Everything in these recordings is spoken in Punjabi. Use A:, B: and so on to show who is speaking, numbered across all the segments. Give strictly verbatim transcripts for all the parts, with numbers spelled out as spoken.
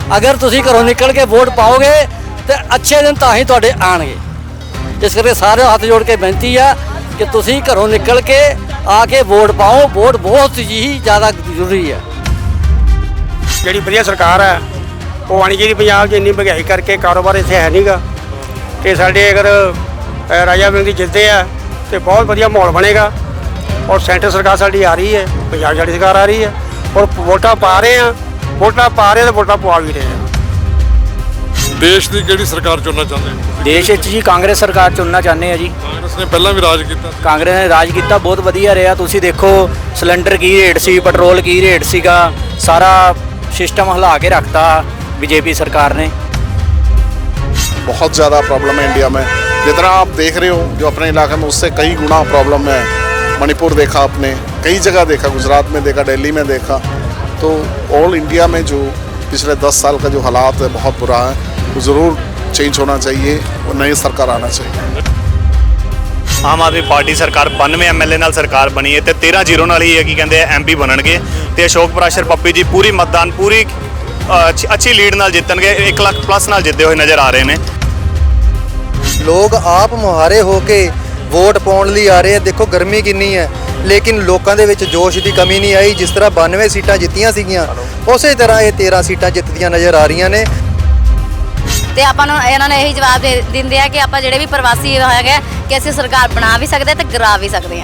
A: अगर तुसी घरों निकल के वोट पाओगे तो अच्छे दिन तां ही तुहाडे आणगे। इस करके सारे हथ जोड़ के बेनती है कि तुसी घरों निकल के आके वोट पाओ। वोट बहुत ही ज़्यादा जरूरी है।
B: ਜਿਹੜੀ ਵਧੀਆ ਸਰਕਾਰ ਹੈ ਉਹ ਆਣੀ ਚਾਹੀਦੀ। ਪੰਜਾਬ 'ਚ ਇੰਨੀ ਮਹਿੰਗਾਈ ਕਰਕੇ ਕਾਰੋਬਾਰ ਇੱਥੇ ਹੈ ਨਹੀਂਗਾ ਤੇ ਸਾਡੇ ਅਗਰ ਅ, ਰਾਜਾ ਵੜਿੰਗ ਦੀ ਜਿੱਤਦੇ ਆ ਤੇ ਬਹੁਤ ਵਧੀਆ ਮਾਹੌਲ ਬਣੇਗਾ। ਔਰ ਸੈਂਟਰ ਸਰਕਾਰ ਸਾਡੀ ਆ ਰਹੀ ਹੈ, ਪੰਜਾਬ ਸਾਡੀ ਸਰਕਾਰ ਆ ਰਹੀ ਹੈ ਔਰ ਵੋਟਾਂ ਪਾ ਰਹੇ ਆ, ਵੋਟਾਂ ਪਾ ਰਹੇ ਤੇ ਵੋਟਾਂ ਪਵਾ ਵੀ ਰਹੇ ਆ।
C: ਦੇਸ਼ ਦੀ ਕਿਹੜੀ ਸਰਕਾਰ ਚੁਣਨਾ ਚਾਹੁੰਦੇ ਹੋ?
D: ਦੇਸ਼ ਵਿੱਚ ਜੀ ਕਾਂਗਰਸ ਸਰਕਾਰ ਚੁਣਨਾ ਚਾਹੁੰਦੇ ਆ ਜੀ।
C: ਕਾਂਗਰਸ ਨੇ ਪਹਿਲਾਂ ਵੀ ਰਾਜ ਕੀਤਾ ਸੀ।
D: ਕਾਂਗਰਸ ਨੇ ਰਾਜ ਕੀਤਾ, ਬਹੁਤ ਵਧੀਆ ਰਿਹਾ। ਤੁਸੀਂ ਦੇਖੋ ਸਿਲੰਡਰ ਕੀ ਰੇਟ ਸੀ, ਪੈਟਰੋਲ ਕੀ ਰੇਟ ਸੀਗਾ, ਸਾਰਾ सिस्टम हिला के रखता बीजेपी सरकार ने।
E: बहुत ज़्यादा प्रॉब्लम है इंडिया में, जितना आप देख रहे हो जो अपने इलाके में उससे कई गुना प्रॉब्लम है। मणिपुर देखा आपने, कई जगह देखा, गुजरात में देखा, दिल्ली में देखा। तो ऑल इंडिया में जो पिछले दस साल का जो हालात है बहुत बुरा है, वो ज़रूर चेंज होना चाहिए और नई सरकार आना चाहिए।
F: आम आदमी पार्टी सरकार बानवे एम एल ए नाल सरकार बनी है तो तेरह जीरो नाल ही है कि कहते एम पी बननगे तो अशोक प्राशर पप्पी जी पूरी मतदान पूरी अच्छी लीड नाल जितणगे, एक लाख प्लस नाल जितते हुए नज़र आ रहे हैं।
G: लोग आप मुहारे होके वोट पाउण लई आ रहे हैं। देखो गर्मी किन्नी है लेकिन लोगों के विच जोश की कमी नहीं आई। जिस तरह बानवे सीटां जित्तियां सीगियां उस तरह ये तेरह सीटां जितदियां नज़र आ रही ने।
H: ਤੇ ਆਪਾਂ ਨੂੰ ਇਹਨਾਂ ਨੇ ਇਹੀ ਜਵਾਬ ਦੇ ਦਿੰਦੇ ਆ ਕਿ ਆਪਾਂ ਜਿਹੜੇ ਵੀ ਪ੍ਰਵਾਸੀ ਹੈਗੇ ਕਿ ਅਸੀਂ ਸਰਕਾਰ ਬਣਾ ਵੀ ਸਕਦੇ ਤੇ ਗਿਰਾ ਵੀ ਸਕਦੇ ਹਾਂ।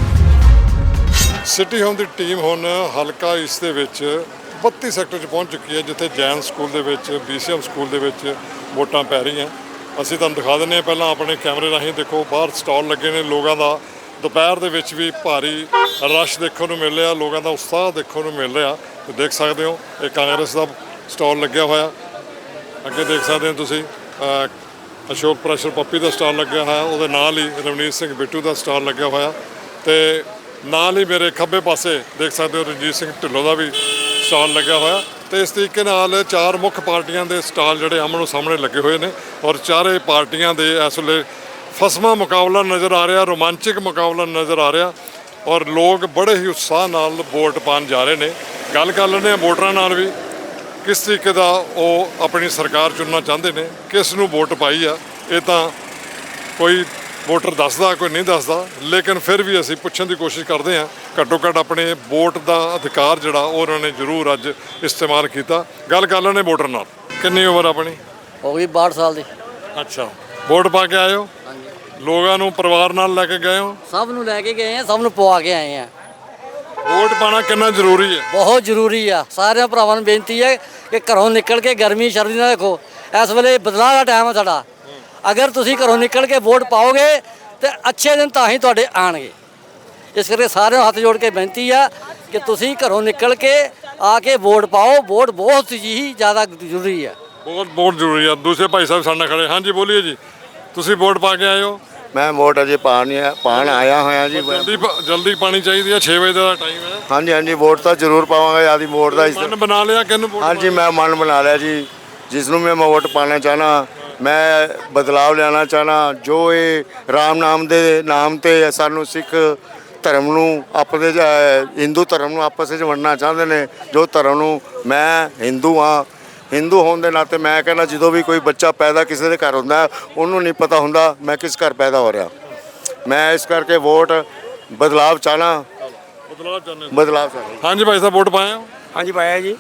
C: ਸਿਟੀ ਹੋਮ ਦੀ ਟੀਮ ਹੁਣ ਹਲਕਾ ਇਸ ਦੇ ਵਿੱਚ ਬੱਤੀ ਸੈਕਟਰ 'ਚ ਪਹੁੰਚ ਚੁੱਕੀ ਹੈ, ਜਿੱਥੇ ਜੈਨ ਸਕੂਲ ਦੇ ਵਿੱਚ, ਬੀਸੀਐਮ ਸਕੂਲ ਦੇ ਵਿੱਚ ਵੋਟਾਂ ਪੈ ਰਹੀਆਂ। ਅਸੀਂ ਤੁਹਾਨੂੰ ਦਿਖਾ ਦਿੰਦੇ ਹਾਂ ਪਹਿਲਾਂ ਆਪਣੇ ਕੈਮਰੇ ਰਾਹੀਂ। ਦੇਖੋ ਬਾਹਰ ਸਟਾਲ ਲੱਗੇ ਨੇ ਲੋਕਾਂ ਦਾ। ਦੁਪਹਿਰ ਦੇ ਵਿੱਚ ਵੀ ਭਾਰੀ ਰਸ਼ ਦੇਖਣ ਨੂੰ ਮਿਲ ਰਿਹਾ, ਲੋਕਾਂ ਦਾ ਉਤਸ਼ਾਹ ਦੇਖਣ ਨੂੰ ਮਿਲ ਰਿਹਾ। ਤੇ ਦੇਖ ਸਕਦੇ ਹੋ ਇਹ ਕਾਂਗਰਸ ਦਾ ਸਟਾਲ ਲੱਗਿਆ ਹੋਇਆ। ਅੱਗੇ ਦੇਖ ਸਕਦੇ ਹੋ ਤੁਸੀਂ ਅਸ਼ੋਕ ਪ੍ਰੈਸ਼ਰ ਪੱਪੀ ਦਾ ਸਟਾਲ ਲੱਗਿਆ ਹੋਇਆ, ਉਹਦੇ ਨਾਲ ਹੀ ਰਵਨੀਤ ਸਿੰਘ ਬਿੱਟੂ ਦਾ ਸਟਾਲ ਲੱਗਿਆ ਹੋਇਆ ਤੇ ਨਾਲ ਹੀ ਮੇਰੇ ਖੱਬੇ ਪਾਸੇ ਦੇਖ ਸਕਦੇ ਹੋ ਰਣਜੀਤ ਸਿੰਘ ਢਿੱਲੋਂ ਦਾ ਵੀ ਸਟਾਲ ਲੱਗਿਆ ਹੋਇਆ। ਤੇ ਇਸ ਤਰੀਕੇ ਨਾਲ ਚਾਰ ਮੁੱਖ ਪਾਰਟੀਆਂ ਦੇ ਸਟਾਲ ਜਿਹੜੇ ਆਮਣੋ ਸਾਹਮਣੇ ਲੱਗੇ ਹੋਏ ਨੇ ਔਰ ਚਾਰੇ ਪਾਰਟੀਆਂ ਦੇ ਇਸ ਵੇਲੇ ਫਸਵਾਂ ਮੁਕਾਬਲਾ ਨਜ਼ਰ ਆ ਰਿਹਾ, ਰੋਮਾਂਚਕ ਮੁਕਾਬਲਾ ਨਜ਼ਰ ਆ ਰਿਹਾ ਔਰ ਲੋਕ ਬੜੇ ਹੀ ਉਤਸ਼ਾਹ ਨਾਲ ਵੋਟ ਪਾਉਣ ਜਾ ਰਹੇ ਨੇ। ਗੱਲ ਕਰ ਲੈਂਦੇ ਹਾਂ ਵੋਟਰਾਂ ਨਾਲ ਵੀ, किस तरीके का वो अपनी सरकार चुनना चाहते हैं, किस नूं वोट पाई आ। ये तो कोई वोटर दसदा कोई नहीं दसदा, लेकिन फिर भी असीं पुछण की कोशिश करते हैं। घट्टो घट्ट अपने वोट का अधिकार जिहड़ा उन्होंने जरूर अज इस्तेमाल किया। गल कर लैंदे वोटर नाल। कितनी उम्र अपनी?
A: हो गई बाहठ साल की।
C: अच्छा, वोट पा के आए हो? लोगों नूं परिवार नाल लैके गए हो?
A: सब नूं लैके गए हैं, सब नूं पवा के आए हैं।
C: वोट पाना कितना जरूरी है?
A: बहुत जरूरी है। सारे भरावां नूं बेनती है कि घरों निकल के गर्मी सर्दी ना देखो, इस वेले बदलाव का टाइम है साडा। अगर तुसी घरों निकल के वोट पाओगे तो अच्छे दिन तां ही तुहाडे आणगे। इस करके सारे हथ जोड़ के बेनती है कि तुसी घरों निकल के आके वोट पाओ। वोट बहुत ही ज़्यादा जरूरी है।
C: बहुत बहुत जरूरी है। दूसरे भाई साहब सामने खड़े। हाँ जी बोलिए जी, तुसी वोट पा के आए हो?
I: मैं वोट अजे पान पान आया होया जी।
C: जल्दी जल्दी पानी चाहिए, छे बजे का टाइम है।
I: हाँ जी हाँ जी, वोट तो जरूर पावांगा। आदि वोट का
C: मन बना लिया किहनूं वोट?
I: हाँ जी मैं मन बना लिया जी, जिसनों मैं वोट पाना चाहना। मैं बदलाव लियाना चाहना। जो ये राम नाम दे नाम ते सानू सिख धर्म नूं अपने हिंदू धर्म नूं आपस में वंडना चाहते हैं। जो धर्म नूं मैं हिंदू हाँ, हिंदू होने के नाते मैं कहना जो भी कोई बच्चा पैदा किसी के घर होंदा उन्होंने नहीं पता होंदा मैं किस घर पैदा हो रहा। मैं इस करके वोट बदलाव चाहना।
C: बदलाव चाहते
I: बदलाव चाहना।
C: हाँ जी भाई साहब वोट पाए हो?
B: ਹਾਂਜੀ ਪਾਇਆ ਜੀ।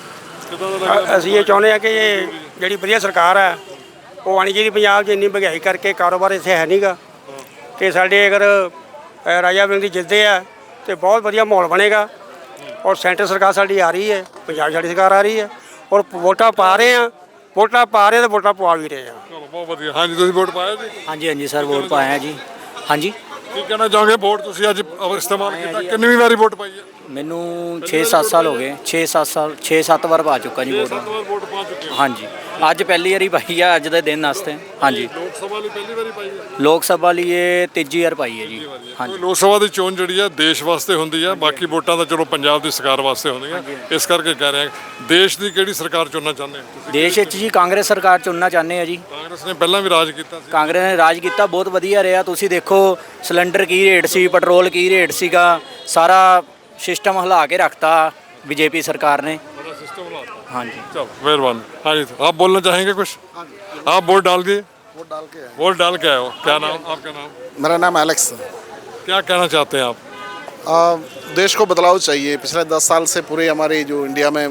B: ਅਸੀਂ ਇਹ ਚਾਹੁੰਦੇ ਹਾਂ ਕਿ ਇਹ ਜਿਹੜੀ ਵਧੀਆ ਸਰਕਾਰ ਹੈ ਉਹ ਆਣੀ ਚਾਹੀਦੀ। ਪੰਜਾਬ 'ਚ ਇੰਨੀ ਮਹਿੰਗਾਈ ਕਰਕੇ ਕਾਰੋਬਾਰ ਇੱਥੇ ਹੈ ਨਹੀਂਗਾ ਤੇ ਸਾਡੇ ਅਗਰ ਅ, ਰਾਜਾ ਵੜਿੰਗ ਦੀ ਜਿੱਤਦੇ ਆ ਤੇ ਬਹੁਤ ਵਧੀਆ ਮਾਹੌਲ ਬਣੇਗਾ ਔਰ ਸੈਂਟਰ ਸਰਕਾਰ ਸਾਡੀ ਆ ਰਹੀ ਹੈ, ਪੰਜਾਬ ਸਾਡੀ ਸਰਕਾਰ ਆ ਰਹੀ ਹੈ ਔਰ ਵੋਟਾਂ ਪਾ ਰਹੇ ਆ, ਵੋਟਾਂ ਪਾ ਰਹੇ ਤੇ ਵੋਟਾਂ ਪਵਾ ਵੀ ਰਹੇ ਆ।
C: ਚਲੋ ਬਹੁਤ ਵਧੀਆ। हाँ जी, ਤੁਸੀਂ ਵੋਟ ਪਾਇਆ ਜੀ?
D: हाँ जी हाँ जी सर, वोट पाया जी। हाँ जी,
C: ਕੀ ਕਹਿਣਾ ਚਾਹੋਗੇ? ਵੋਟ ਤੁਸੀਂ ਅੱਜ ਇਸਤੇਮਾਲ ਕੀਤਾ, ਕਿੰਨੀ ਵਾਰੀ ਵੋਟ ਪਾਈ ਹੈ?
D: मैनू छे सत्त साल हो गए। छे सत्त साल छे सत्त बार पा चुका जी वोट।
C: ਵੋਟ ਪਾ ਚੁੱਕੇ ਹੋ?
D: हाँ जी, अज पहली बारी पाई है अज के दिन वास्ते। हाँ जी,
C: ਲੋਕ ਸਭਾ ਲਈ ਪਹਿਲੀ ਵਾਰੀ ਪਾਈ ਹੈ?
D: लोक सभा लिए तीजी बार पाई है जी। हाँ जी,
C: ਲੋਕ ਸਭਾ ਦੀ ਚੋਣ ਜਿਹੜੀ ਹੈ ਦੇਸ਼ ਵਾਸਤੇ ਹੁੰਦੀ ਹੈ, ਬਾਕੀ ਵੋਟਾਂ ਤਾਂ ਚਲੋ ਪੰਜਾਬ ਦੀ ਸਰਕਾਰ ਵਾਸਤੇ ਹੁੰਦੀਆਂ। ਇਸ ਕਰਕੇ ਕਹਿ ਰਹੇ ਹਾਂ ਦੇਸ਼ ਦੀ ਕਿਹੜੀ ਸਰਕਾਰ ਚੁਣਨਾ ਚਾਹੁੰਦੇ ਹੋ?
D: देश ਵਿੱਚ ਜੀ ਕਾਂਗਰਸ ਸਰਕਾਰ ਚੁਣਨਾ ਚਾਹੁੰਦੇ ਆ ਜੀ।
C: ਕਾਂਗਰਸ ਨੇ ਪਹਿਲਾਂ ਵੀ ਰਾਜ ਕੀਤਾ ਸੀ।
D: ਕਾਂਗਰਸ ਨੇ ਰਾਜ ਕੀਤਾ, ਬਹੁਤ ਵਧੀਆ ਰਿਹਾ। ਤੁਸੀਂ ਦੇਖੋ ਸਿਲੰਡਰ ਕੀ ਰੇਟ ਸੀ, ਪੈਟਰੋਲ ਕੀ ਰੇਟ ਸੀਗਾ, ਸਾਰਾ ਸਿਸਟਮ ਹਿਲਾ ਕੇ ਰੱਖਤਾ बीजेपी सरकार ने।
C: बड़ा सिस्टम लाता।
D: हाँ जी।
C: चलो मेहरबानी। हाँ जी, आप बोलना चाहेंगे कुछ? आप वोट डाल दिए?
E: वोट डाल के
C: वोट डाल के आए हो, क्या नाम आपका? नाम?
E: मेरा नाम एलेक्स है।
C: क्या कहना चाहते हैं आप?
E: आ, देश को बदलाव चाहिए। पिछले दस साल से पूरे हमारे जो इंडिया में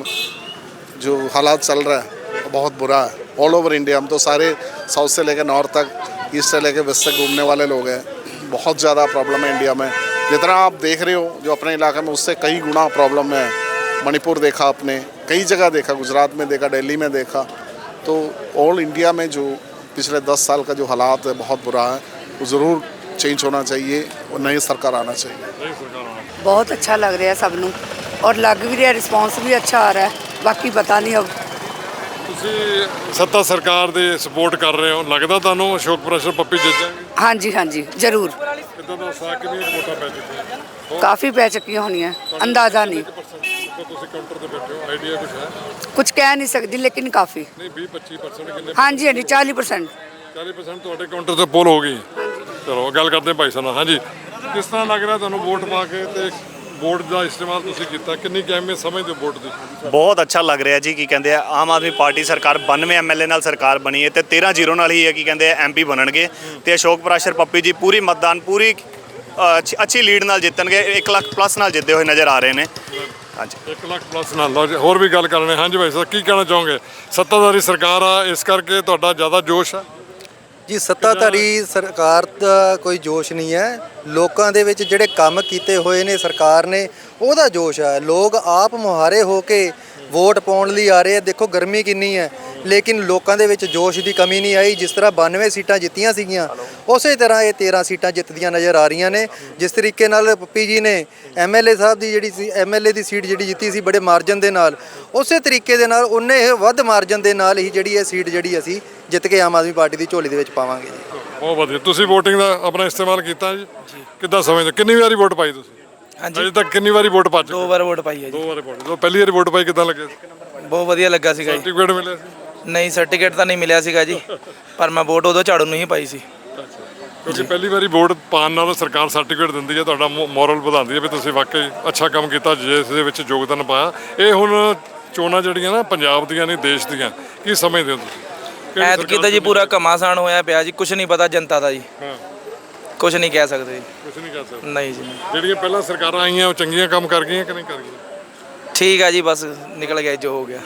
E: जो हालात चल रहा है वो बहुत बुरा है। ऑल ओवर इंडिया, हम तो सारे साउथ से लेकर नॉर्थ तक, ईस्ट से लेकर वेस्ट तक घूमने वाले लोग हैं। बहुत ज़्यादा प्रॉब्लम है इंडिया में। जितना आप देख रहे हो जो अपने इलाके में, उससे कई गुना प्रॉब्लम है। मणिपुर देखा आपने, कई जगह देखा, गुजरात में देखा, दिल्ली में देखा। तो ऑल इंडिया में जो पिछले दस साल का जो हालात है बहुत बुरा है, वो ज़रूर चेंज होना चाहिए और नई सरकार आना चाहिए।
J: बहुत अच्छा लग रहा है सब ਨੂੰ और लग भी रहा, रिस्पॉन्स भी अच्छा आ रहा है। बाकी पता नहीं अब।
C: ਤੁਸੀਂ ਸੱਤਾ ਸਰਕਾਰ ਦੇ ਸਪੋਰਟ ਕਰ ਰਹੇ ਹੋ, ਲੱਗਦਾ ਤੁਹਾਨੂੰ ਅਸ਼ੋਕ ਪ੍ਰੈਸ਼ਰ ਪੱਪੀ ਜਿੱਤ ਜਾਣਗੇ?
J: हाँ जी हाँ जी जरूर।
C: ਕਿੱਦਾਂ ਦਾ ਸਾਕ ਕਿੰਨੀਆਂ ਕੁ ਵੋਟਾਂ ਪੈ ਚੁੱਕੀਆਂ?
J: काफ़ी पै चुकी होनी है, अंदाज़ा नहीं,
C: ਤੁਸੀਂ ਕਾਊਂਟਰ ਤੇ ਬੈਠੇ ਹੋ, ਆਈਡੀਆ ਕੁਝ ਹੈ?
J: कुछ कह नहीं सकती लेकिन काफ़ी।
C: ਨਹੀਂ ਵੀਹ ਪੱਚੀ ਪਰਸੈਂਟ ਕਿੰਨੇ?
J: हाँ जी हाँ जी चालीस परसेंट।
C: ਚਾਲੀ ਪਰਸੈਂਟ ਤੁਹਾਡੇ ਕਾਊਂਟਰ ਤੇ ਪੋਲ ਹੋ ਗਈ। ਚਲੋ ਗੱਲ ਕਰਦੇ ਹਾਂ ਭਾਈ ਸਾਹਿਬ ਨਾਲ। ਹਾਂਜੀ, ਕਿਸ ਤਰ੍ਹਾਂ ਲੱਗ ਰਿਹਾ ਤੁਹਾਨੂੰ ਵੋਟ ਪਾ ਕੇ ਤੇ ਵੋਟ ਦਾ ਇਸਤੇਮਾਲ ਤੁਸੀਂ ਕੀਤਾ, ਕਿੰਨੀ ਕੁ ਅਹਿਮੀਅਤ ਸਮਝਦੇ ਹੋ ਵੋਟ ਦੀ?
F: ਬਹੁਤ ਅੱਛਾ ਲੱਗ ਰਿਹਾ ਜੀ। ਕੀ ਕਹਿੰਦੇ ਆ, ਆਮ ਆਦਮੀ ਪਾਰਟੀ ਸਰਕਾਰ ਬਾਨਵੇਂ ਐਮਐਲਏ ਨਾਲ ਸਰਕਾਰ ਬਣੀ ਹੈ ਤੇ ਤੇਰਾਂ ਜ਼ੀਰੋ ਨਾਲ ਹੀ ਹੈ ਕੀ ਕਹਿੰਦੇ ਆ ਐਮਪੀ ਬਣਨਗੇ ਤੇ ਅਸ਼ੋਕ ਪ੍ਰਾਸ਼ਰ ਪੱਪੀ ਜੀ ਪੂਰੀ ਮਤਦਾਨ ਪੂਰੀ ਅ, ਅੱਛੀ- ਅੱਛੀ ਲੀਡ ਨਾਲ ਜਿੱਤਣਗੇ। ਇੱਕ ਲੱਖ ਪਲੱਸ ਨਾਲ ਜਿੱਤਦੇ ਹੋਏ ਨਜ਼ਰ ਆ ਰਹੇ ਨੇ। ਹਾਂਜੀ,
C: ਇੱਕ ਲੱਖ ਪਲੱਸ ਨਾਲ। ਲਓ ਜੀ, ਹੋਰ ਵੀ ਗੱਲ ਕਰਨੇ। ਹਾਂਜੀ ਭਾਈ ਸਾਹਿਬ, ਕੀ ਕਹਿਣਾ ਚਾਹੋਗੇ? ਸੱਤਾਧਾਰੀ ਸਰਕਾਰ ਆ, ਇਸ ਕਰਕੇ ਤੁਹਾਡਾ ਜ਼ਿਆਦਾ ਜੋਸ਼ ਆ?
G: ਜੀ ਸੱਤਾਧਾਰੀ ਸਰਕਾਰ ਦਾ ਕੋਈ ਜੋਸ਼ ਨਹੀਂ ਹੈ। ਲੋਕਾਂ ਦੇ ਵਿੱਚ ਜਿਹੜੇ ਕੰਮ ਕੀਤੇ ਹੋਏ ਨੇ ਸਰਕਾਰ ਨੇ, ਉਹਦਾ ਜੋਸ਼ ਹੈ। ਲੋਕ ਆਪ ਮੁਹਾਰੇ ਹੋ ਕੇ ਵੋਟ ਪਾਉਣ ਲਈ ਆ ਰਹੇ ਆ। ਦੇਖੋ ਗਰਮੀ ਕਿੰਨੀ ਹੈ, ਲੇਕਿਨ ਲੋਕਾਂ ਦੇ ਵਿੱਚ ਜੋਸ਼ ਦੀ ਕਮੀ ਨਹੀਂ ਆਈ। ਜਿਸ ਤਰ੍ਹਾਂ ਬਾਨਵੇਂ ਸੀਟਾਂ ਜਿੱਤੀਆਂ ਸੀਗੀਆਂ, ਉਸੇ ਤਰ੍ਹਾਂ ਇਹ ਤੇਰਾਂ ਸੀਟਾਂ ਜਿੱਤਦੀਆਂ ਨਜ਼ਰ ਆ ਰਹੀਆਂ ਨੇ। ਜਿਸ ਤਰੀਕੇ ਨਾਲ ਪੱਪੀ ਜੀ ਨੇ ਐਮਐਲਏ ਸਾਹਿਬ ਦੀ ਜਿਹੜੀ ਸੀ, ਐਮਐਲਏ ਦੀ ਸੀਟ ਜਿਹੜੀ ਜਿੱਤੀ ਸੀ ਬੜੇ ਮਾਰਜਨ ਦੇ ਨਾਲ, ਉਸੇ ਤਰੀਕੇ ਦੇ ਨਾਲ ਉਹਨੇ ਇਹ ਵੱਧ ਮਾਰਜਨ ਦੇ ਨਾਲ ਹੀ ਜਿਹੜੀ ਇਹ ਸੀਟ ਜਿਹੜੀ ਅਸੀਂ ਜਿੱਤ ਕੇ ਆਮ ਆਦਮੀ ਪਾਰਟੀ ਦੀ ਝੋਲੀ ਦੇ ਵਿੱਚ ਪਾਵਾਂਗੇ ਜੀ।
C: ਬਹੁਤ ਵਧੀਆ। ਤੁਸੀਂ VOTING ਦਾ ਆਪਣਾ ਇਸਤੇਮਾਲ ਕੀਤਾ ਜੀ? ਕਿੱਦਾਂ ਸਮਝਦੇ? ਕਿੰਨੀ ਵਾਰੀ ਵੋਟ ਪਾਈ ਤੁਸੀਂ?
K: ਹਾਂਜੀ,
C: ਅਜੇ ਤੱਕ ਕਿੰਨੀ ਵਾਰੀ ਵੋਟ ਪਾ ਚੁੱਕੇ?
K: ਦੋ ਵਾਰ ਵੋਟ ਪਾਈ ਹੈ ਜੀ।
C: ਦੋ ਵਾਰੀ ਵੋਟ। ਜਦੋਂ ਪਹਿਲੀ ਵਾਰੀ ਵੋਟ ਪਾਈ ਕਿੱਦਾਂ ਲੱਗਿਆ?
K: ਬਹੁਤ ਵਧੀਆ ਲੱਗਾ ਸੀਗਾ ਜੀ।
C: ਸਰਟੀਫਿਕੇਟ ਮਿਲਿਆ ਸੀ?
K: ਨਹੀਂ, ਸਰਟੀਫਿਕੇਟ ਤਾਂ ਨਹੀਂ ਮਿਲਿਆ ਸੀਗਾ ਜੀ, ਪਰ ਮੈਂ ਵੋਟ ਉਦੋਂ ਝਾੜੂ ਨੂੰ ਹੀ ਪਾਈ ਸੀ।
C: ਕਿਉਂਕਿ ਪਹਿਲੀ ਵਾਰੀ ਵੋਟ ਪਾਉਣ ਨਾਲ ਸਰਕਾਰ ਸਰਟੀਫਿਕੇਟ ਦਿੰਦੀ ਹੈ, ਤੁਹਾਡਾ ਮੋਰਲ ਵਧਾਉਂਦੀ ਹੈ ਵੀ ਤੁਸੀਂ ਵਾਕਈ ਅੱਛਾ ਕੰਮ ਕੀਤਾ, ਜਿਸ ਦੇ ਵਿੱਚ ਯੋਗਦਾਨ ਪਾਇਆ। ਇਹ ਹੁਣ ਚੋਣਾਂ ਜਿਹੜੀਆਂ ਨਾ ਪੰਜਾਬ ਦੀਆਂ ਨਹੀਂ ਦੇਸ਼ ਦੀਆਂ, ਕੀ ਸਮਝਦੇ ਹੋ ਤੁਸੀਂ?
K: ਐਤਕੀ ਤਾਂ ਜੀ ਪੂਰਾ ਘਮਾਸਾਨ ਹੋਇਆ ਪਿਆ ਜੀ, ਕੁਝ ਨਹੀਂ ਪਤਾ ਜਨਤਾ ਦਾ ਜੀ।
C: ਹਾਂ,
K: ਕੁਝ ਨਹੀਂ ਕਹਿ ਸਕਦੇ ਜੀ।
C: ਕੁਝ ਨਹੀਂ ਕਰ ਸਕਦੇ।
K: ਨਹੀਂ ਜੀ,
C: ਜਿਹੜੀਆਂ ਪਹਿਲਾਂ ਸਰਕਾਰਾਂ ਆਈਆਂ ਉਹ ਚੰਗੀਆਂ ਕੰਮ ਕਰ ਗਈਆਂ ਕਿ ਨਹੀਂ ਕਰ ਗਈਆਂ?
K: ਠੀਕ ਆ ਜੀ, ਬਸ ਨਿਕਲ ਗਿਆ ਜੋ ਹੋ ਗਿਆ।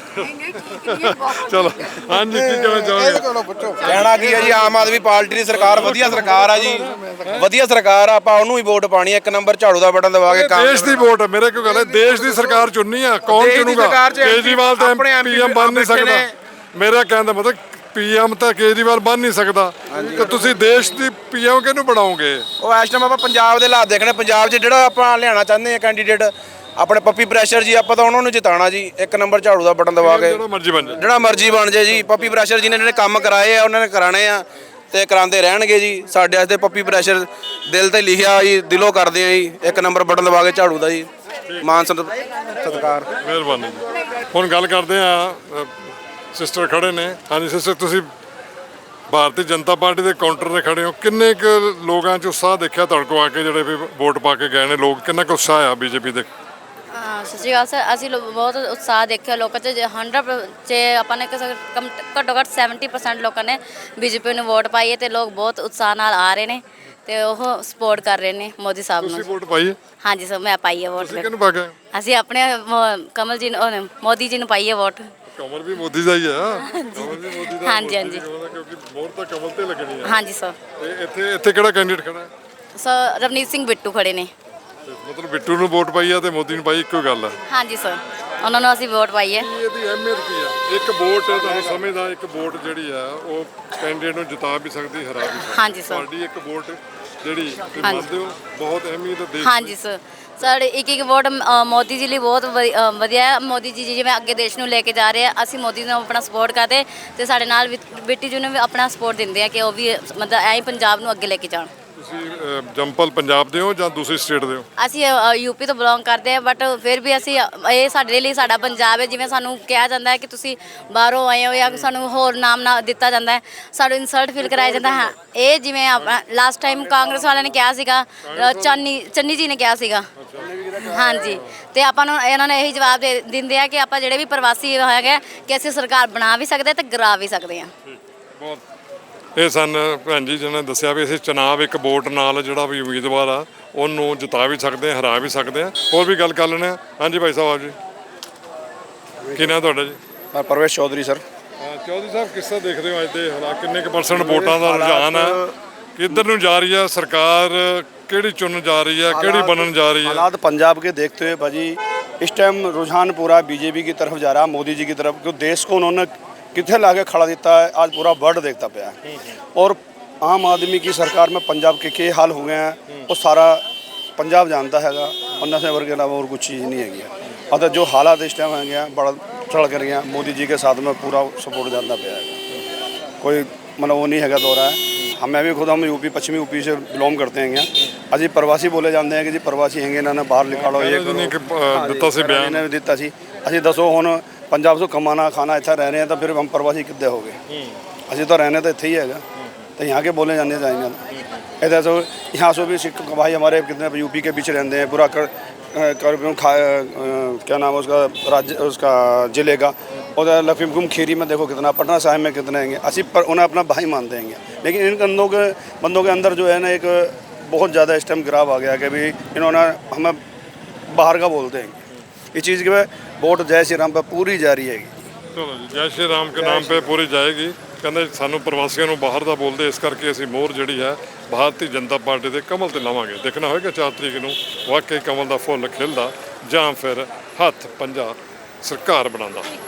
C: ਚਲੋ ਹਾਂਜੀ, ਕੀ ਕਹਿਣਾ ਚਾਹੋਗੇ?
L: ਕਹਿਣਾ ਕੀ ਹੈ ਜੀ, ਆਮ ਆਦਮੀ ਪਾਰਟੀ ਦੀ ਸਰਕਾਰ ਵਧੀਆ ਸਰਕਾਰ ਆ ਜੀ, ਵਧੀਆ ਸਰਕਾਰ ਆ। ਆਪਾਂ ਉਹਨੂੰ ਹੀ ਵੋਟ ਪਾਣੀ ਹੈ, ਇੱਕ ਨੰਬਰ ਝਾੜੂ ਦਾ ਬਟਨ ਦਬਾ ਕੇ ਕੰਮ।
C: ਦੇਸ਼ ਦੀ ਵੋਟ ਮੇਰੇ ਕਿਉਂ ਗੱਲ ਹੈ, ਦੇਸ਼ ਦੀ ਸਰਕਾਰ ਚੁਣਨੀ ਆ। ਕੌਣ ਚੁਣੂਗਾ? ਕੇਜਰੀਵਾਲ ਤਾਂ ਪੀਐਮ ਬਣ ਨਹੀਂ ਸਕਦਾ। ਮੇਰਾ ਕਹਿਣ ਦਾ ਮਤਲਬ ਪੀਐਮ ਤਾਂ ਕੇਜਰੀਵਾਲ ਬਣ ਨਹੀਂ ਸਕਦਾ, ਤੇ ਤੁਸੀਂ ਦੇਸ਼ ਦੀ ਪੀਐਮ ਕਿਹਨੂੰ ਬਣਾਓਗੇ?
L: ਉਹ ਇਸ ਟਾਈਮ ਆਪਾਂ ਪੰਜਾਬ ਦੇ ਹਾਲਾਤ ਦੇਖਣੇ। ਪੰਜਾਬ 'ਚ ਜਿਹੜਾ ਆਪਾਂ ਲਿਆਉਣਾ ਚਾਹੁੰਦੇ ਆ ਕੈਂਡੀਡੇਟ ਆਪਣੇ ਪੱਪੀ ਪ੍ਰੈਸ਼ਰ ਜੀ, ਆਪਾਂ ਤਾਂ ਉਹਨਾਂ ਨੂੰ ਜਿਤਾਉਣਾ ਜੀ। ਇੱਕ ਨੰਬਰ ਝਾੜੂ ਦਾ ਬਟਨ ਦਬਾ ਕੇ
C: ਜਿਹੜਾ ਮਰਜ਼ੀ ਬਣ ਜਾਏ,
L: ਜਿਹੜਾ ਮਰਜ਼ੀ ਬਣ ਜਾਏ ਜੀ। ਪੱਪੀ ਪ੍ਰੈਸ਼ਰ ਜੀ ਨੇ ਜਿਹੜੇ ਕੰਮ ਕਰਾਏ ਆ ਉਹਨਾਂ ਨੇ ਕਰਾਣੇ ਆ ਤੇ ਕਰਾਉਂਦੇ ਰਹਿਣਗੇ ਜੀ। ਸਾਡੇ ਵਾਸਤੇ ਪੱਪੀ ਪ੍ਰੈਸ਼ਰ ਦਿਲ ਤੇ ਲਿਖਿਆ ਜੀ, ਦਿਲੋਂ ਕਰਦੇ ਆ ਜੀ। ਇੱਕ ਨੰਬਰ ਬਟਨ ਦਬਾ ਕੇ ਝਾੜੂ ਦਾ ਜੀ। ਮਾਨ ਸਤਿਕਾਰ,
C: ਮਿਹਰਬਾਨੀ ਜੀ। ਹੁਣ ਗੱਲ ਕਰਦੇ ਆ, ਸਿਸਟਰ ਖੜੇ ਨੇ। ਹਾਂਜੀ ਸਿਸਟਰ, ਤੁਸੀਂ ਭਾਰਤੀ ਜਨਤਾ ਪਾਰਟੀ ਦੇ ਕਾਊਂਟਰ ਤੇ ਖੜੇ ਹੋ, ਕਿੰਨੇ ਕੁ ਲੋਕਾਂ 'ਚ ਉਤਸ਼ਾਹ ਦੇਖਿਆ ਤੁਹਾਡੇ ਕੋਲ ਆ ਕੇ, ਜਿਹੜੇ ਵੀ ਵੋਟ ਪਾ ਕੇ ਗਏ ਨੇ ਲੋਕ? ਕਿੰਨਾ ਕੁ ਉਤਸ਼ਾਹ ਆ ਬੀਜੇਪੀ ਦੇ?
H: ਹਾਂ, ਸਤਿ ਸ਼੍ਰੀ ਅਕਾਲ ਸਰ। ਅਸੀਂ ਲੋ- ਬਹੁਤ ਉਤਸ਼ਾਹ ਦੇਖਿਆ ਲੋਕਾਂ 'ਚ। ਹੰਡਰਡ 'ਚ ਆਪਾਂ ਨੇ ਕਿਸੇ ਕਮ ਘੱਟੋ ਘੱਟ ਸੈਵਨਟੀ ਪਰਸੈਂਟ ਲੋਕਾਂ ਨੇ ਬੀਜੇਪੀ ਨੂੰ ਵੋਟ ਪਾਈ ਹੈ ਤੇ ਲੋਕ ਬਹੁਤ ਉਤਸ਼ਾਹ ਨਾਲ ਆ ਰਹੇ ਨੇ ਤੇ ਉਹ ਸਪੋਰਟ ਕਰ ਰਹੇ ਨੇ ਮੋਦੀ ਸਾਹਿਬ
C: ਤੁਸੀਂ
H: ਨੂੰ।
C: ਵੋਟ ਪਾਈ ਹੈ?
H: ਹਾਂਜੀ ਸਰ, ਮੈਂ ਪਾਈ ਹੈ ਵੋਟ।
C: ਤੁਸੀਂ ਕਿਹਨੂੰ ਪਾ ਕੇ?
H: ਅਸੀਂ ਆਪਣੇ ਮੋ- ਕਮਲ ਜੀ ਨੂੰ, ਉਹ ਮੋਦੀ ਜੀ ਨੂੰ ਪਾਈ ਹੈ ਵੋਟ।
C: ਕਮਲ ਵੀ ਮੋਦੀ ਦਾ ਹੀ ਆ। ਕਮਲ ਵੀ ਮੋਦੀ ਦਾ।
H: ਹਾਂਜੀ, ਹਾਂਜੀ।
C: ਕਿਉਂਕਿ ਮੋਹਰ ਤਾਂ ਕਮਲ ਤੇ ਲੱਗਣੀ ਆ।
H: ਹਾਂਜੀ ਸਰ।
C: ਤੇ ਇੱਥੇ ਇੱਥੇ ਕਿਹੜਾ ਕੈਂਡੀਡੇਟ ਖੜਾ ਹੈ?
H: ਸਰ ਰਵਨੀਤ ਸਿੰਘ ਬਿੱਟੂ ਖੜੇ ਨੇ।
C: ਤੇ ਮਤਲਬ ਬਿੱਟੂ ਨੂੰ ਵੋਟ ਪਾਈ ਆ ਤੇ ਮੋਦੀ ਨੂੰ ਪਾਈ, ਇੱਕੋ ਗੱਲ ਆ।
H: ਹਾਂਜੀ ਸਰ, ਉਹਨਾਂ ਨੂੰ ਅਸੀਂ ਵੋਟ ਪਾਈ ਹੈ।
C: ਕੀ ਇਹਦੀ ਅਹਿਮੀਅਤ ਕੀ ਆ? ਇੱਕ ਵੋਟ ਤੁਹਾਨੂੰ ਸਮਝਦਾ, ਇੱਕ ਵੋਟ ਜਿਹੜੀ ਆ ਉਹ ਕੈਂਡੀਡੇਟ ਨੂੰ ਜਿਤਾ ਵੀ ਸਕਦੀ, ਹਰਾ ਵੀ ਸਕਦੀ।
H: ਹਾਂਜੀ ਸਰ।
C: ਤੁਹਾਡੀ ਇੱਕ ਵੋਟ ਜਿਹੜੀ ਤੁਸੀਂ
H: ਹਾਂਜੀ।
C: ਮੰਨਦੇ ਹੋ ਬਹੁਤ ਅਹਿਮੀਅਤ ਦੇਸ਼
H: ਹਾਂਜੀ ਸਰ, ਸਾਡੇ ਇੱਕ ਇੱਕ ਵੋਟ ਅ, ਮੋਦੀ ਜੀ ਲਈ ਬਹੁਤ ਵਧੀ- ਅ, ਵਧੀਆ ਹੈ। ਮੋਦੀ ਜੀ ਜਿਵੇਂ ਅੱਗੇ ਦੇਸ਼ ਨੂੰ ਲੈ ਕੇ ਜਾ ਰਹੇ ਆ, ਅਸੀਂ ਮੋਦੀ ਨੂੰ ਆਪਣਾ ਸਪੋਰਟ ਕਰਦੇ ਤੇ ਸਾਡੇ ਨਾਲ ਵੀ- ਬਿੱਟੀ ਜੀ ਨੂੰ ਵੀ ਆਪਣਾ ਸਪੋਰਟ ਦਿੰਦੇ ਆ ਕਿ ਉਹ ਵੀ ਮਤਲਬ ਐਂ ਹੀ ਪੰਜਾਬ ਨੂੰ ਅੱਗੇ ਲੈ ਕੇ ਜਾਣ।
C: ਤੁਸੀਂ ਅ, ਜੰਪਲ ਪੰਜਾਬ ਦੇ ਹੋ ਜਾਂ ਦੂਸਰੀ ਸਟੇਟ ਦੇ ਹੋ?
H: ਅਸੀਂ ਯੂਪੀ ਤੋਂ ਬਿਲੋਂਗ ਕਰਦੇ ਹਾਂ, ਬਟ ਫਿਰ ਵੀ ਅਸੀਂ ਅ, ਇਹ ਸਾਡੇ ਲਈ ਸਾਡਾ ਪੰਜਾਬ ਹੈ। ਜਿਵੇਂ ਸਾਨੂੰ ਕਿਹਾ ਜਾਂਦਾ ਹੈ ਕਿ ਤੁਸੀਂ ਬਾਹਰੋਂ ਆਏ ਹੋ ਜਾਂ ਸਾਨੂੰ ਹੋਰ ਨਾਮ ਨਾ ਦਿੱਤਾ ਜਾਂਦਾ ਹੈ, ਸਾਨੂੰ ਇਨਸਲਟ ਫੀਲ ਕਰਾਇਆ ਜਾਂਦਾ ਹੈ। ਇਹ ਜਿਵੇਂ ਲਾਸਟ ਟਾਈਮ ਕਾਂਗਰਸ ਵਾਲਿਆਂ ਨੇ ਕਿਹਾ ਸੀਗਾ, ਅ, ਚੰਨੀ ਚੰਨੀ ਜੀ ਨੇ ਕਿਹਾ ਸੀਗਾ, ਹਾਂਜੀ। ਤੇ ਆਪਾਂ ਨੂੰ ਇਹਨਾਂ ਨੇ ਇਹੀ ਜਵਾਬ ਦੇ ਦਿੰਦੇ ਆ ਕਿ ਆਪਾਂ ਜਿਹੜੇ ਵੀ ਪ੍ਰਵਾਸੀ ਹੈਗੇ ਕਿ ਅਸੀਂ ਸਰਕਾਰ ਬਣਾ ਵੀ ਸਕਦੇ ਤੇ ਗਿਰਾ ਵੀ ਸਕਦੇ ਹਾਂ।
C: ਬਹੁਤ ਇਹ ਸਨ ਭੈਣ ਜੀ ਜਿਹਨਾਂ ਨੇ ਦੱਸਿਆ ਵੀ ਅਸੀਂ ਚੁਣਾਵ ਇੱਕ ਵੋਟ ਨਾਲ ਜਿਹੜਾ ਵੀ ਉਮੀਦਵਾਰ ਆ ਉਹਨੂੰ ਜਿਤਾ ਵੀ ਸਕਦੇ ਹਾਂ, ਹਰਾ ਵੀ ਸਕਦੇ ਹਾਂ। ਹੋਰ ਵੀ ਗੱਲ ਕਰ ਲੈਂਦੇ ਹਾਂ। ਹਾਂਜੀ ਭਾਈ ਸਾਹਿਬ, ਆਓ ਜੀ। ਕੀ ਨਾਂ ਤੁਹਾਡਾ ਜੀ?
M: ਪਰਵੇਸ਼ ਚੌਧਰੀ ਸਰ।
C: ਚੌਧਰੀ ਸਾਹਿਬ, ਕਿਸ ਤਰ੍ਹਾਂ ਦੇਖਦੇ ਹੋ ਅੱਜ ਦੇ ਹਾਲਾਤ? ਕਿੰਨੇ ਕੁ ਪਰਸੈਂਟ ਵੋਟਾਂ ਦਾ ਰੁਝਾਨ ਹੈ? ਕਿੱਧਰ ਨੂੰ ਜਾ ਰਹੀ ਹੈ ਸਰਕਾਰ? ਕਿਹੜੀ ਚੁਣਨ ਜਾ ਰਹੀ है, केड़ी बनन जा रही है?
M: हालात पंजाब के देखते हुए भाजी इस टाइम रुझान पूरा बीजेपी की तरफ जा रहा है, मोदी जी की तरफ, क्योंकि देश को उन्होंने कितने लाके खड़ा दिता है, आज पूरा वर्ल्ड देखता पाया है। और आम आदमी की सरकार में पंजाब के के हाल हो गए हैं वो सारा पंजाब जानता है और नशे वर्ग के अलावा और कुछ चीज़ नहीं है। अतः जो हालात इस टाइम है बड़ा चढ़ कर गया, मोदी जी के साथ में पूरा सपोर्ट जानता पाया है, कोई मतलब वो नहीं है दौरा है। हमें भी खुद हम यूपी पश्चिमी यूपी से बिलोंग करते हैं। अजी प्रवासी बोले जाते हैं कि जी प्रवासी हैं इन्होंने बाहर निकालो, ये
C: ਦਿੱਤਾ ਸੀ ਬਿਆਨ
M: ने भी दिता सी। असी दसो हुण पंजाब ਤੋਂ कमाना खाना इतना रह रहे हैं तो फिर हम प्रवासी किद्दे हो गए? असी तो रहने तो इतने ही है, तो यहाँ के बोले जाने चाहिए। इधर से यहाँ से भी सिख भाई हमारे कितने यूपी के पीछे रहते हैं, पूरा कर कर खा क्या नाम है उसका राज्य उसका जिले का, और लखीमपुर खीरी में देखो कितना, पटना साहिब में कितने हैं। असी पर उन्हें अपना भाई मानते हैं, लेकिन इन बंदों के बंदों के अंदर जो है ना एक बहुत ज़्यादा इस टाइम गिराव आ गया कि भाई इन्होंने हमें बाहर का बोलते हैं। इस चीज़ के वोट जय श्री राम पर पूरी जारी है।
C: चलो जी, जय श्री राम के नाम पे पूरी जाएगी। ਕਹਿੰਦੇ ਸਾਨੂੰ ਪ੍ਰਵਾਸੀਆਂ ਨੂੰ ਬਾਹਰ ਦਾ ਬੋਲਦੇ, ਇਸ ਕਰਕੇ ਅਸੀਂ ਮੋਹਰ ਜਿਹੜੀ ਹੈ ਭਾਰਤੀ ਜਨਤਾ ਪਾਰਟੀ ਦੇ ਕਮਲ ਤੇ ਲਾਵਾਂਗੇ। ਦੇਖਣਾ ਹੋਏਗਾ ਚਾਰ ਤਰੀਕ ਨੂੰ ਵਾਕਈ ਕਮਲ ਦਾ ਫੁੱਲ ਖਿਲਦਾ ਜਾਂ ਫਿਰ ਹੱਥ ਪੰਜਾ ਸਰਕਾਰ ਬਣਾਉਂਦਾ।